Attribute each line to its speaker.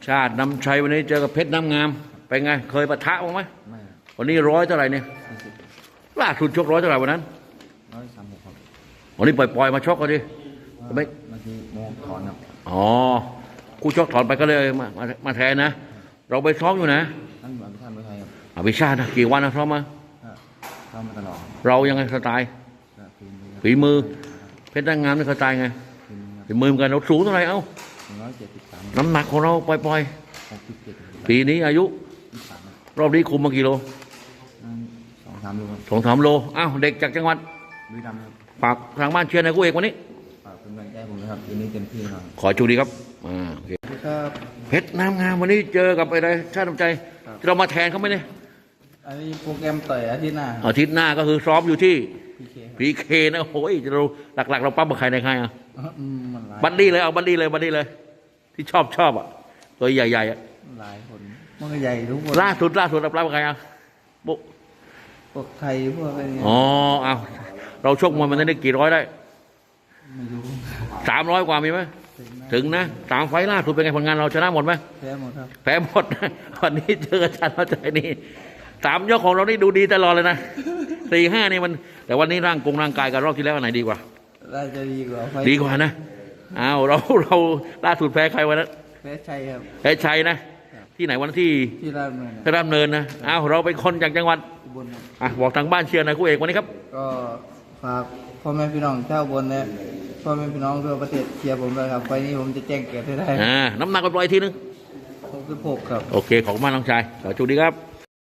Speaker 1: ชาตินำชัยวันนี้เจอกับเพชรน้ำงามเป็นไงเคยปะทะบ้างไหม
Speaker 2: ไม่
Speaker 1: วันนี้ร้อยเท่าไหร่เนี่ย
Speaker 2: 40
Speaker 1: ล่าสุดชกร้อยเท่าไหร่วันนั้น
Speaker 2: 136ครับ
Speaker 1: วันนี้ปล่อยมาชกกันดิไม่
Speaker 2: เมื่อกี้โมถอนครับ
Speaker 1: อ๋อคู่ชกถอนไปก็เลยมาแทนนะเราไปซ้อมอยู่นะ
Speaker 2: ท่านอภิชาติไทยครับ
Speaker 1: อภิชาตินะกี่วันนะซ้อมมา
Speaker 2: ซ้อมมาตลอด
Speaker 1: เรายังไงสไตล์ฝีมือเพชรน้ำงามนี่สไตล์ไงฝีมือเหมือนกันเราสูงเท่าไหร่เอ้า
Speaker 2: 173
Speaker 1: น้ำหนักของเราปล่อย
Speaker 2: 67
Speaker 1: ปีนี้อายุรอบนี้คุมมากี่โล
Speaker 2: 2-3 โลครับ
Speaker 1: 2-3 โลอ้าวเด็กจากจังหวัด
Speaker 2: บุรีรัมย์ครับ
Speaker 1: ฝากทางบ้านเชียร์ในคู่เอกวันนี้
Speaker 2: ฝากเป็นกำลังใจผมนะครับวันนี้เต็มที่ครับ
Speaker 1: ขอจูดีครับโอเค
Speaker 2: ครับ
Speaker 1: เพชรน้ำงามวันนี้เจอกับอะไรชาติน้ำใจเรามาแทนเขาไหมเนี่ย
Speaker 2: อันนี้โปรแกรมต่อยอาทิตย์หน้า
Speaker 1: ก็คือซ้อมอยู่ที่
Speaker 2: พี
Speaker 1: เคนะโอ้ยเราหลักๆเราปั้มกับใครในใครอ่ะบัด
Speaker 2: ดี้
Speaker 1: เลยเอาบัดดี้เลยที่ชอบอ่ะตัวใหญ่ๆอ่ะ
Speaker 2: หลายคนมันก็ใหญ่ทุกคน
Speaker 1: ล่าสุดเราปั้มกับใครอ่ะ
Speaker 2: พวกไทยพวกอะไรเงี้ย
Speaker 1: เอาเราชกมวยมันได้กี่ร้อยได้
Speaker 2: ไม่รู้
Speaker 1: 300 กว่ามีไหมถึงนะ3 ไฟล์ล่าสุดเป็นไงผลงานเราชนะหมดไหม
Speaker 2: แพ้หมดครับ
Speaker 1: แพ้หมดวันนี้เจออาจารย์เข้าใจนี่3 ยกของเรานี่ดูดีตลอดเลยนะ4-5นี่มันแต่วันนี้ร่างกายกับรอบที่แล้วอันไหนดีกว่า
Speaker 2: น่าจะดีกว่า
Speaker 1: นะเราล่าสุดแพ้ใครวันนั้น
Speaker 2: แพ้ชัยครับ
Speaker 1: แพ้ชัยนะที่ไหนวันที่ราชดำเนินนะเราเป็นคนจากจังหวัด
Speaker 2: อุบล
Speaker 1: บอกทางบ้านเชียร์นะคู่เอกวันนี้ครับ
Speaker 2: ก็ฝากพ่อแม่พี่น้องชาวอุบลเนี่ยพ่อแม่พี่น้องทั่วประเทศเชียร์ผมเลยครับไฟนี้ผมจะแจ้งเกิดให้ได้
Speaker 1: น้ำหนักก็ปล่อยทีนึง
Speaker 2: 66ครับ
Speaker 1: โอเคขอบคุณมากน้องชายขอจุดีครับ